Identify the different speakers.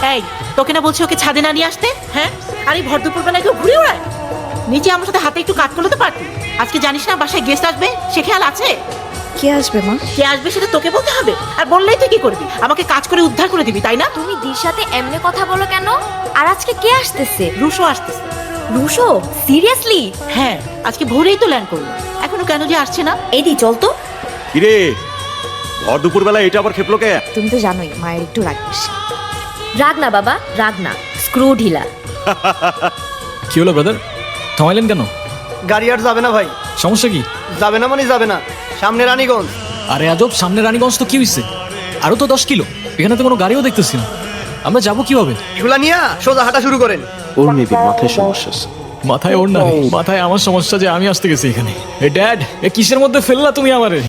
Speaker 1: এই তোকে না বলছি ওকে ছাদে না নিয়ে আসতে? হ্যাঁ, আর এই ভর দুপুর বেলায় কেউ ঘুরে ওড়ায়? নিচে আমার সাথে হাতে একটু কাজ করলে তো পারতি। আজকে জানিস না বাসায় গেস্ট আসবে, সে খেয়াল আছে?
Speaker 2: কে আসবে মা?
Speaker 1: কে আসবে সেটা তোকে বলতে হবে? আর বললেই তুই কি করবি? আমাকে কাজ করে উদ্ধার করে দিবি, তাই না?
Speaker 2: তুমি দির সাথে এমনি কথা বলো কেন? আর আজকে কে আসতেছে?
Speaker 1: রুশো আসতেছে।
Speaker 2: রুশো? সিরিয়াসলি?
Speaker 1: হ্যাঁ, আজকে ভোরেই তো ল্যান্ড করলো। এখনো কেন যে আসছে না?
Speaker 2: এদি চল তো।
Speaker 3: কিরে ভর দুপুর বেলা এটা আবার খেপলো কে?
Speaker 2: তুমি তো জানোই মায়ের একটু রাগ বেশি।
Speaker 4: রাগ না বাবা, রাগ না, স্ক্রু ঢিলা।
Speaker 5: কি হলো ব্রাদার, থামাইলেন কেন?
Speaker 6: গাড়ি আর যাবে না ভাই।
Speaker 5: সমস্যা কি?
Speaker 6: যাবে না মানে যাবে না, সামনে রানীগঞ্জ।
Speaker 5: আরে আজব, সামনে রানীগঞ্জ তো কি হয়েছে? আরো তো 10 কিলো, এখানে তো কোনো গাড়িও দেখতেছি না। আমরা যাবো কিভাবে?
Speaker 6: এগুলা নিয়ে সোজা হাঁটা শুরু করেন।
Speaker 7: ওর মেবি মাথায় সমস্যা আছে।
Speaker 5: মাথায় ওর না, মাথায় আমার সমস্যা যে আমি আসতে গেছি এখানে। এ ড্যাড, এ কিসের মধ্যে ফেললা তুমি আমারে?